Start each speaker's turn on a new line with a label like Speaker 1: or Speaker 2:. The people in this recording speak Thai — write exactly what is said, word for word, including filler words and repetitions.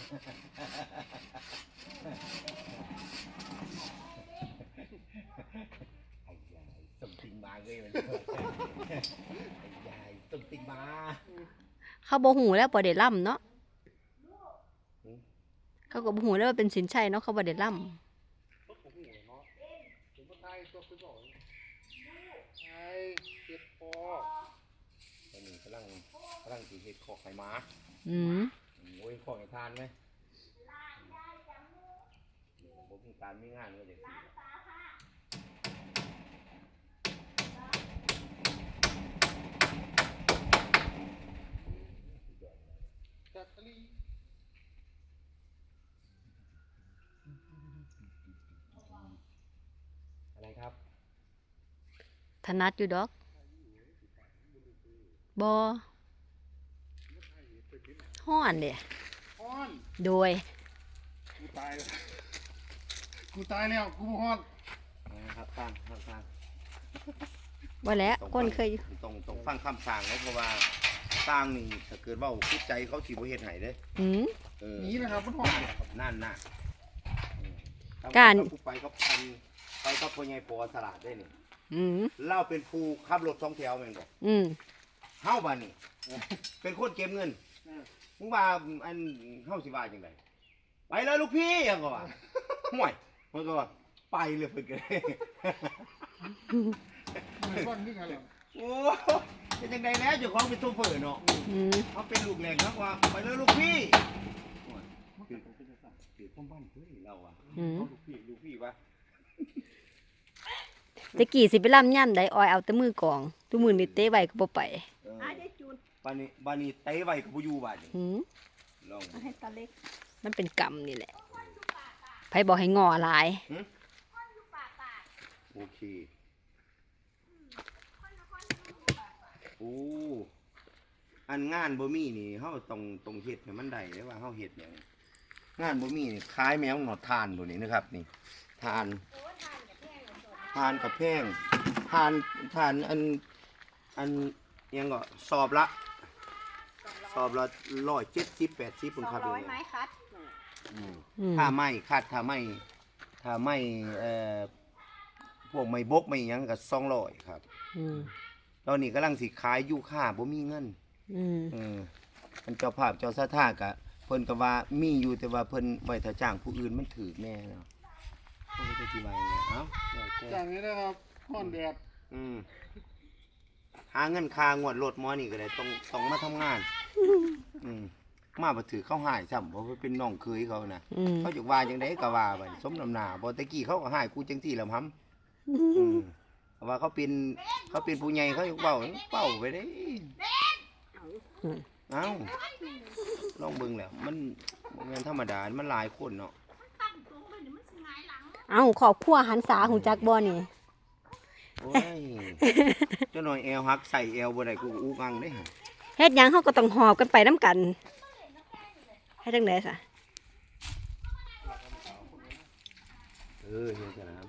Speaker 1: ไอ้ยายส่งติงมาเลยมันไอ้ยายส่งติงมา
Speaker 2: เขาบ่หูแล้วบ่ได้ล่ำเนาะเขาก็บ่หูแล้วว่าเป็นสินชัยเนาะเขาบ่ได้ล่ำ
Speaker 1: ไอ้เฮ็ดคอตอนนี้กำลังกำลังสิเฮ็ดคอกไข่ม้า
Speaker 2: อืม
Speaker 1: โอ้ยคอกให้ทานไหมผมมีการมีงานก็เด็กจัดลีอะไรครับ
Speaker 2: ถนัดอยู่ดอกบ่ฮ้อนเด้
Speaker 3: ฮ้อน
Speaker 2: โดย
Speaker 3: กูตายแล้วกูตายแล้วกูฮ้อน
Speaker 1: นะครับฟังฟังฟัง
Speaker 2: ว่าแล้วคนเคย
Speaker 1: ต้องต้องฟังคำสั่งเขาเพราะว่าสร้างนี่ถ้าเกิดว่าคิดใจเขาสิบ่เฮ็ดให้เด้
Speaker 2: อืม
Speaker 3: นี่นะครับมันฮ้อน
Speaker 1: นั่นน่ะ
Speaker 2: การ
Speaker 1: ไปกับพันไปกับพ่อใหญ่ปอสลัดได้นี่
Speaker 2: อืม
Speaker 1: เล่าเป็นผู้ขับรถสองแถวแม่นบ่
Speaker 2: อืม
Speaker 1: เฮาบ้านนี่เป็นคนเก็บเงินมึงว่าอันเฮาสิว่าจังได๋ไปเลยลูกพี่ยังก็ว่าห่วยเพิ่นก็ว่าไปเลยเพิ่นก็
Speaker 3: มันฮ้อนนี่กันแล้ว
Speaker 1: โอ้เป็นจังได๋แล้วเจ้าของเป็นโชเฟอร์เนาะ
Speaker 2: อืม
Speaker 1: เฮาเป็นลูกแรงเนาะว่าไปเลยลูกพี่คือคือพ่อบ้านเพิ่นเราอ่ะลูกพี่ลูกพี่ว่า
Speaker 2: ตะกี้สิไปล่ำย่ำใดออยเอาแต่มือกองทุกมือนี่เตะไว้ก็บ่ไป
Speaker 1: บ้านนี้บ้านนี้เตะไว้ก็บ่อยู่บ้านนี้
Speaker 2: หือ
Speaker 1: ลอง
Speaker 4: ให้ตาเล็ก
Speaker 2: มันเป็นกรรมนี่แหละไผบอกให้งอหลาย
Speaker 1: โอเคโอ้อันงานบ่มีนี่เฮาต้องต้องเฮ็ดให้มันได้เด้ว่าเฮาเฮ็ดหยังงานบ่มีนี่คล้ายแมวหนอดทานตัวนี้นะครับนี่ทานทานกับแพงทานทานอันอันยังก็สอบละสอบละร้อยเจ็ดสิบแปดสิบคุณครับ
Speaker 4: ร้อยไม้คัด
Speaker 1: ถ้าไม่คัดถ้าไม่ถ้าไม่เอ่อพวกไม่บกไม่ยังก็สองร้อยครับตอนนี้กำลังสิขายอยู่ค่าบ่มีเงินเออมันเจ้าภาพเจ้าสถากะเพิ่นก็ว่ามีอยู่แต่ว่าเพิ่นไว้ถ้าจ้างผู้อื่นมันถือแน่เนาะเพิ่นก็สิว่าอย่างเงี้ยเอ้า
Speaker 3: จ้างนี้นะครับฮ้อนแดด
Speaker 1: อืมหาเงินค่างวดรถมอนี่ก็ได้ต้องต้องมาทำงานอืมมาบ่ถือเขาหายซ้ำเพราะว่าเป็นน้องเคยเขานะเขาจะว่าจังได๋ก็ว่าไปสมน้ำหน้าบ่ตะกี้เขาก็หายกูจังซี่แหละหำอืมว่าเขาเป็นเขาเป็นผู้ใหญ่เขาเว้าเว้าไปเด้เอ้าลองเบิ่งแล้วมันแม่นธรรมดามันหลายคนเนาะ
Speaker 2: เอ้าครอบครัวหันษาหูจักบ่นี่
Speaker 1: โอ้ยเจ้าหน่อยแอวหักใส่แอวบ่ได้กูอุกอังเด้
Speaker 2: เฮ็ดหยังเฮาก็ต้องหอบกันไปนำกันเฮ็ดจังได๋ซะ
Speaker 1: เออเฮ็ดจังนั้น